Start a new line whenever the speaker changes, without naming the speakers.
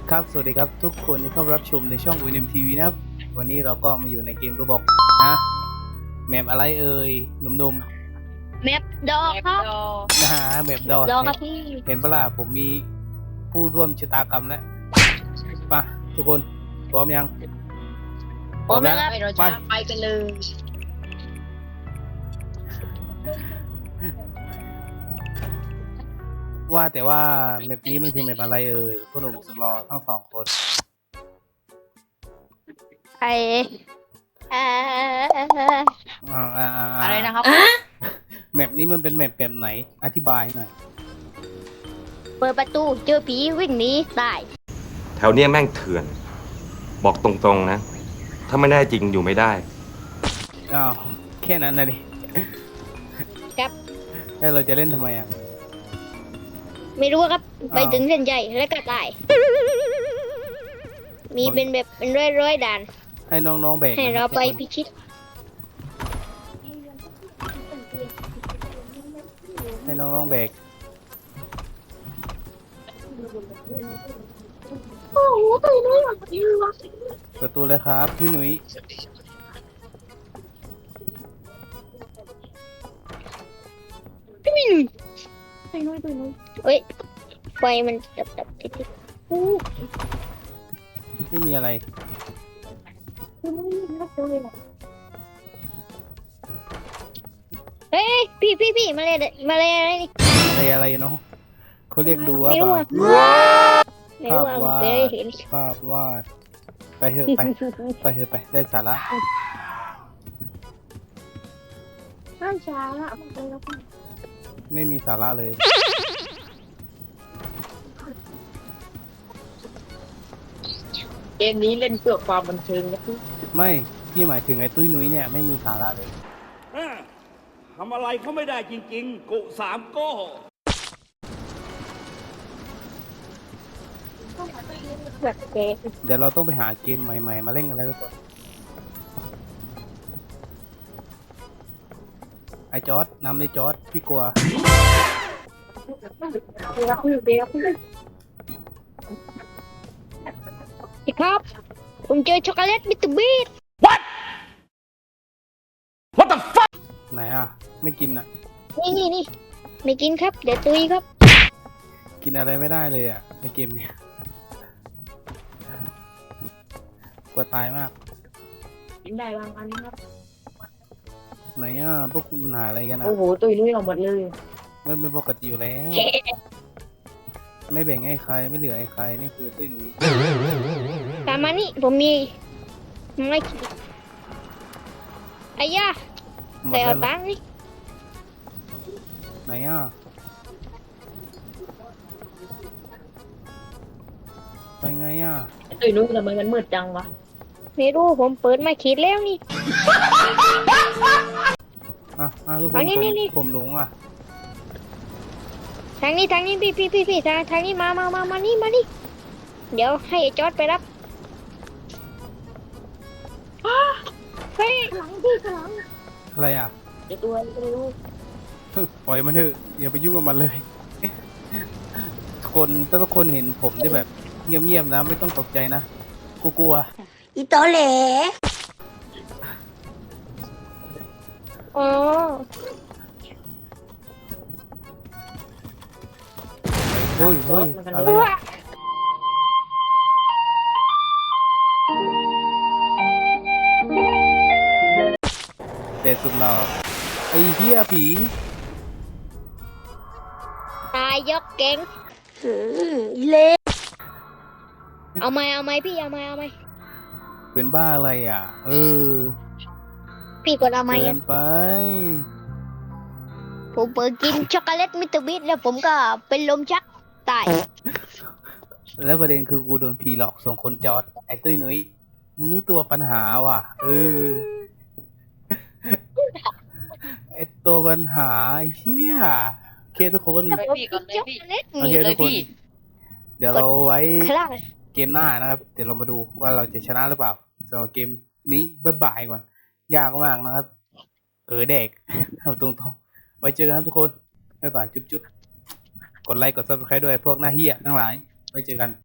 ครับสวัสดีครับทุกคนที่เข้ารับชมในช่อง UNM TV นะครับวันนี้เราก็มาอยู่ในเกม Roblox นะแมปอะไรเอ่ยหนุ่ม
แมปดอกครับ
ๆนะฮะแมปดอ
ดอกครับพี่
เห็นปะล่ะผมมีผู้ร่วมชะตากรรมแล้วป่ะทุกคนพร้อมยัง
พร้อมแล้วครับ
เราจะไปกันเลย
ว่าแต่ว่าแมปนี้มันคือแมปอะไรเอ่ยพวกหนุ่มสุดหล่อทั้งสองคน
ไอเอ่อ
อะไรนะครับ
แมปนี้มันเป็นแมปแบบไหนอธิบายหน่อย
เปิดประตูเจอผีวิ่งหนีตาย
แถวเนี้ยแม่งเถื่อน บอกตรงๆนะ ถ้าไม่แน่จริงอยู่ไม่ได้
อ้าวแค่นั้นนะดิ
ครับ
แล้วเราจะเล่นทำไมอ่ะ
ไม่รู้ครับ
อ้าว
ไปถึงเส้นใหญ่แล้วก็ตาย มีเป็นแบบเป็นร้อยด่าน
ให้น้องๆแบก
ให้
นะค
เรา
บ
ไป
ทุกคน
พิชิต
ให้น้องๆแบก
โอ้โหตัวนี้
ประตูเลยครับพี่หนุ่ย
เฮ้ยไฟมันดับติดๆโอ้
ไม่มีอะไร
เฮ้ยพี่มาเลยอะไรนี่
อะไรเนาะเขาเรียกดูว่า
ไม่รู้
ป่ะ
อ่ะไม่รู้อ่ะผมไปเห็น
ภาพวาดไปเถอะไปไปเถอะไปได้สาระ
ข้าวเช้าอ่ะ
ไม่มีสาระเลย
เกมนี้เล่นเพื่อความบันเทิงนะพี่
ไม่พี่หมายถึงไอ้ตุ้ยนุ้ยเนี่ยไม่มีสาระเลย
ทำอะไรเขาไม่ได้จริงๆ กุสามโก้
แบบเก๋
เดี๋ยวเราต้องไปหาเกมใหม่ๆมาเล่นกันแล้วทุกคนไอ้จอร์ดนำเลยจอร์ดพี่กลัว
ครับ ผมเจอช็อกโกแลตมิสเตอร์บีท
ไหนอ่ะไม่กินอ่ะ
นี่ไม่กินครับ เดี๋ยวตุยครับ
กินอะไรไม่ได้เลยอ่ะในเกมเนี้ยกลัวตายมาก
กินได้บางอันครับ
ไหนอ่ะพวกคุณหาอะไรกันอ่ะ
โอ้โหตุยนุ้ยเราหมดเลย
มันเป็นปกติอยู่แล้ว ไม่แบ่งให้ใครไม่เหลือให้ใครนี่คือตุ้ยหนุ่ย
ตามมานี่ผมมีไม่คิดไอ้ย่า
หมด
ใส่เอา
แล้ว
ตังค์นี่
ไหนอ่ะไปไงอ่ะ
ตุยนุ้ยทำไมมันมืดจังวะ
ไม่รู้ผมเปิดมาขีดแล้วนี่
ทุกค
เอา
น
นี่
ผมหลงอ่ะ
ทางนี้พี่ทางนี้มานี่เดี๋ยวให้ไอ้จอร์ดไปรับเฮ้ยหลังพี่หลัง
อะไรอ่ะ
เดี๋ยวตัวไม่รู้
ปล่อยมันเถอะอย่าไปยุ่งกับมันเลย คนถ้าทุกคนเห็นผมที่แบบเงียบๆนะไม่ต้องตกใจนะกูกลัว
อีโตเหล่อ๋อ
เฮ้ยอะไรอ่ะเด็ดสุดหล่อไอ้เหี้ยผี
ตายยกเก่งเละเอาไหมพี่เอาไหม
เป็นบ้าอะไรอ่ะ
พี่กดเอาไหม
เกิ
อ่ะ
นไป
ผมเปิดกินช็อกโกแลตมิสเตอร์บีทแล้วผมก็เป็นลมชักตาย
แล้วประเด็นคือกูโดนผีหลอกส่งคนจอดไอ้ตุ้ยนุ้ยมึงนี่ตัวปัญหาว่ะไอ้ตัวปัญหาไอ้เชี่ยโอเคทุกคน
เลยพี่ก่อนเลยพี่
โอเคทุกคน เดี๋ยวเราไว้
คลั่ง
เกมหน้านะครับ เดี๋ยวเรามาดูว่าเราจะชนะหรือเปล่าสำหรับเกมนี้บ่ายๆก่อน ยากมากนะครับ เด็ก เอาตรงๆ ไว้เจอกันครับทุกคน บ๊ายบาย จุ๊บๆ กดไลค์ กด subscribe ด้วยพวกหน้าเหี้ยทั้งหลาย ไว้เจอกัน